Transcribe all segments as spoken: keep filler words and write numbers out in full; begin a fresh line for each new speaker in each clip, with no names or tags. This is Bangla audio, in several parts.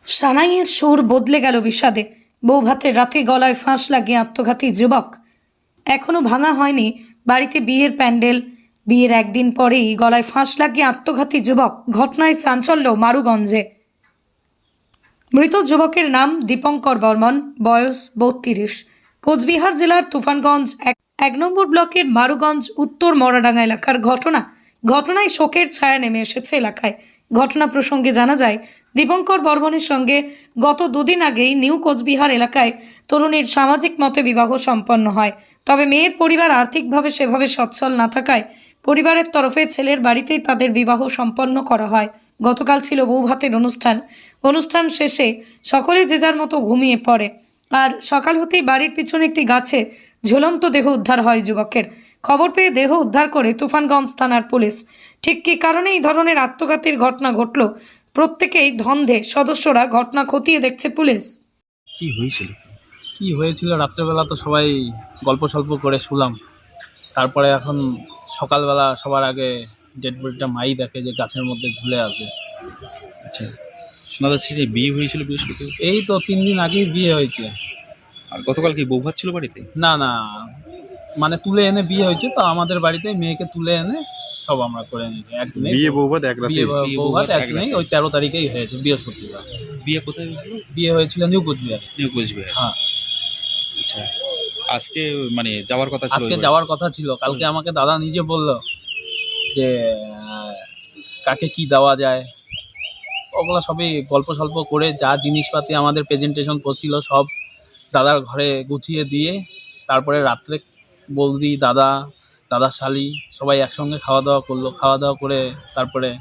সানাইয়ের সুর বদলে গেল বিষাদে। বৌভাতের রাতে গলায় ফাঁস লাগিয়ে আত্মঘাতী যুবক। এখনো ভাঙা হয়নি বাড়িতে বিয়ের প্যান্ডেল। বিয়ের একদিন পরেই গলায় ফাঁস লাগিয়ে আত্মঘাতী যুবক। ঘটনায় চাঞ্চল্য মারুগঞ্জে। মৃত যুবকের নাম দীপঙ্কর বর্মন, বয়স বত্রিশ। কোচবিহার জেলার তুফানগঞ্জ এক এক নম্বর ব্লকের মারুগঞ্জ উত্তর মরাডাঙ্গা এলাকার ঘটনা। ঘটনায় শোকের ছায়া নেমে এসেছে এলাকায়। ঘটনা প্রসঙ্গে জানা যায়, দীপঙ্কর বর্মনের সঙ্গে গত দুদিন আগেই নিউ কোচবিহার এলাকায় তরুণীর সামাজিক মতে বিবাহ সম্পন্ন হয়। তবে মেয়ের পরিবার আর্থিকভাবে সেভাবে সচ্ছল না থাকায় পরিবারের তরফে ছেলের বাড়িতেই তাদের বিবাহ সম্পন্ন করা হয়। গতকাল ছিল বৌভাতের অনুষ্ঠান। অনুষ্ঠান শেষে সকলে যে যার মতো ঘুমিয়ে পড়ে। আর সকাল হতেই বাড়ির পিছনে একটি গাছে ঝুলন্ত দেহ উদ্ধার হয় যুবকের। খবর পেয়ে দেহ উদ্ধার করে তুফানগঞ্জ থানার পুলিশ। ঠিক কী কারণে এই ধরনের আত্মঘাতীর ঘটনা ঘটল, প্রত্যেকেই ধন্ধে সদস্যরা ঘটনা খতিয়ে দেখছে পুলিশ।
কি হয়েছিল কি হয়েছিল রাত্রেবেলা তো সবাই গল্প সল্প করে শুলাম। তারপরে এখন সকালবেলা সবার আগে ডেড বডিটা মাই দেখে যে গাছের মধ্যে ঝুলে আছে।
আচ্ছা, শোনা যাচ্ছে যে বিয়ে হয়েছিল বৃহস্পতিবার।
এই তো তিন দিন আগেই বিয়ে হয়েছে।
আর গতকাল কি বউ ভাত ছিল বাড়িতে?
না না, মানে তুলে এনে বিয়ে হয়েছে তো আমাদের বাড়িতে। মেয়েকে তুলে এনে সব আমরা করে নিয়েছি একদিনে।
বিয়ে বউ ভাত এক রাতে?
বিয়ে
বিয়ে
বউ ভাত
বৌভাত এক
একদিনেই,
রাতে।
ওই তেরো তারিখেই হয়েছে বৃহস্পতিবার।
বিয়ে কোথায় হয়েছিল?
বিয়ে হয়েছিল নিউ কোচবিহার।
নিউ কোচবিহার।
হ্যাঁ,
আচ্ছা, আজকে মানে যাওয়ার কথা ছিল?
আজকে
ওই
যাওয়ার কথা ছিল। কালকে আমাকে দাদা নিজে বলল যে আহ, কাকে কি দেওয়া যায়, ওগুলো সবই গল্প সল্প করে যা জিনিসপাতি আমাদের প্রেজেন্টেশন করছিল সব দাদার ঘরে গুছিয়ে দিয়ে তারপরে রাত্রে বৌদি, দাদা, দাদার শালি সবাই একসঙ্গে খাওয়া দাওয়া করলো। খাওয়া দাওয়া করে তারপরে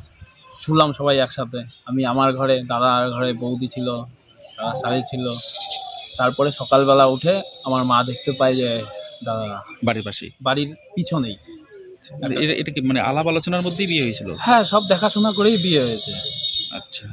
শুলাম সবাই একসাথে। আমি আমার ঘরে, দাদার ঘরে বৌদি ছিল, দাদার শালি ছিল। তারপরে সকালবেলা উঠে আমার মা দেখতে পায় যে দাদা
বাড়ির পাশে।
বাড়ির পিছনেই।
আর এটা এটা কি মানে আলাপ আলোচনার মধ্যেই বিয়ে হয়েছিল?
হ্যাঁ, সব দেখাশোনা করেই বিয়ে হয়েছে।
আচ্ছা,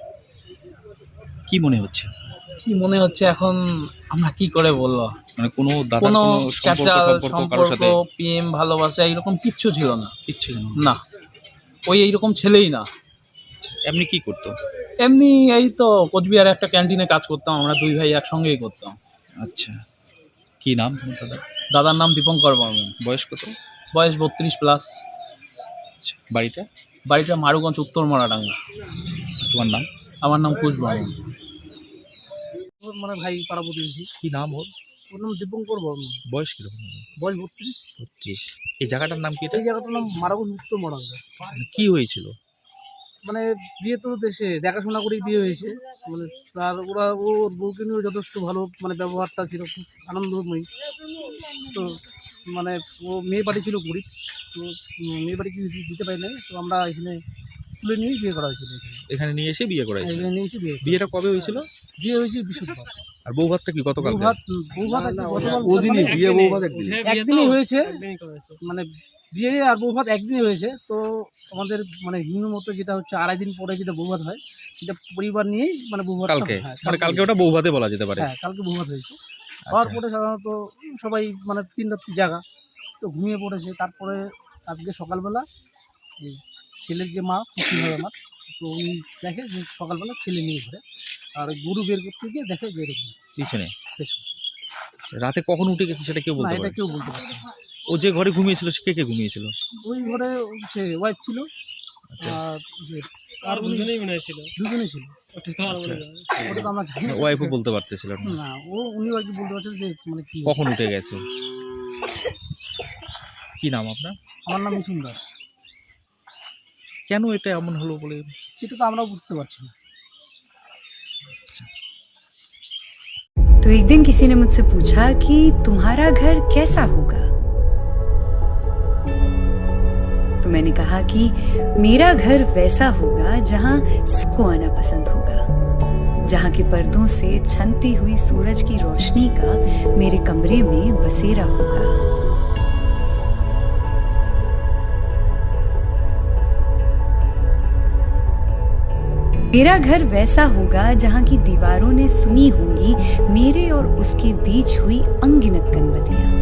কি মনে হচ্ছে?
কি মনে হচ্ছে এখন আমরা কি করে বলবো?
মানে কোনো দাদার
কোনো
কোনো
ক্যাচাল
সম্পর্ক সম্পর্ক কারোর
সম্পর্ক,
সাথে
প্রেম, ভালোবাসা এরকম কিচ্ছু ছিল না।
কিচ্ছু জানো
না, ওই এইরকম ছেলেই না।
এমনি কি করতো?
এমনি এই তো কোচবিহারে একটা ক্যান্টিনে কাজ করতাম, আমরা দুই ভাই একসঙ্গেই করতাম।
আচ্ছা, কি নাম তোমার দাদা?
দাদার নাম দীপঙ্কর বর্মন,
বয়স কত?
বয়স বত্রিশ প্লাস।
আচ্ছা, বাড়িটা?
বাড়িটা মারুগঞ্জ উত্তর মরাডাঙ্গা।
তোমার নাম?
আমার নাম কুশ বর্মন। মানে ভাই পাড়া প্রতিবেশী।
কি নাম ওর?
ওর নাম দীপঙ্কর বর্মন।
বয়স কিরকম?
বয়স বত্রিশ।
পঁচিশ। এই জায়গাটার নাম কি? এটা
এই জায়গাটার নাম মারুগঞ্জ উত্তর মরাডাঙ্গা।
মানে কি হয়েছিল?
মানে বিয়ে তো দেশে দেখাশোনা করেই বিয়ে হয়েছে। মানে তার ওরা ওর বউকে নিয়েও যথেষ্ট ভালো, মানে ব্যবহারটা ছিল খুব আনন্দময়ী। তো মানে ও মেয়ে বাড়ি ছিল গরিব, তো উম, মেয়ে বাড়ি কিছু দিতে পারি নাই, তো আমরা এখানে তুলে নিয়েই বিয়ে করা হয়েছিল। এখানে
এখানে নিয়ে এসে বিয়ে করাইছে?
এখানে নিয়ে এসে বিয়ে
বিয়েটা কবে হয়েছিল?
বিয়ে হয়েছে বৃহস্পতিবার।
আর বউ ভাতটা কি গতকাল?
বউ ভাত বউ ভাত একদিন গতকাল-
ওদিনই বিয়ে বউ ভাত একদিন?
একদিনই হয়েছে। মানে বিয়ে আর বউ ভাত একদিনই হয়েছে। তো আমাদের মানে হিন্দু মতো যেটা হচ্ছে আড়াই দিন পরে যেটা বউ ভাত হয়, সেটা পরিবার নিয়েই মানে বউ ভাত।
কালকে মানে কালকে ওটা বউ ভাতে বলা যেতে পারে?
হ্যাঁ, কালকে বউ ভাত হয়েছে। হওয়ার পরে সাধারণত সবাই মানে তিন রাত্রি জাগা, তো ঘুমিয়ে পড়েছে। তারপরে আজকে সকালবেলা এই ছেলের যে মা, খুশি হয় আমার, তো উনি দেখে যে সকালবেলা ছেলে নিয়ে ঘুরে, আর ওই গরু বের করতে গিয়ে দেখে যে এরকম
পিছনে।
পেছনে।
রাতে কখন উঠে গেছে সেটা কেউ
না,
বলতে
এটা
পারে?
কেউ বলতে পারছে না।
ও যে ঘরে ঘুমিয়েছিল সে কে কে ঘুমিয়েছিল?
ওই ঘরে সে ওয়াইফ ছিল,
আচ্ছা,
আর যে আর দুজনেই মনে ছিল, দুজনেই ছিল। ওটা তো আমরা জানি না।
ওয়াইফও বলতে পারতেছিল না?
না, ও উনিও আর কি বলতে পারছেন যে মানে কি
কখন উঠে গেছে? কি নাম আপনার?
আমার নাম মিঠুন দাস।
কেন এটা এমন হলো বলে?
সেটা তো আমরাও বুঝতে পারছি না।
तो एक दिन किसी ने मुझसे पूछा कि तुम्हारा घर कैसा होगा, तो मैंने कहा कि मेरा घर वैसा होगा जहां सबको आना पसंद होगा, जहां के पर्दों से छनती हुई सूरज की रोशनी का मेरे कमरे में बसेरा होगा। मेरा घर वैसा होगा जहां की दीवारों ने सुनी होंगी मेरे और उसके बीच हुई अनगिनत कनबतियां।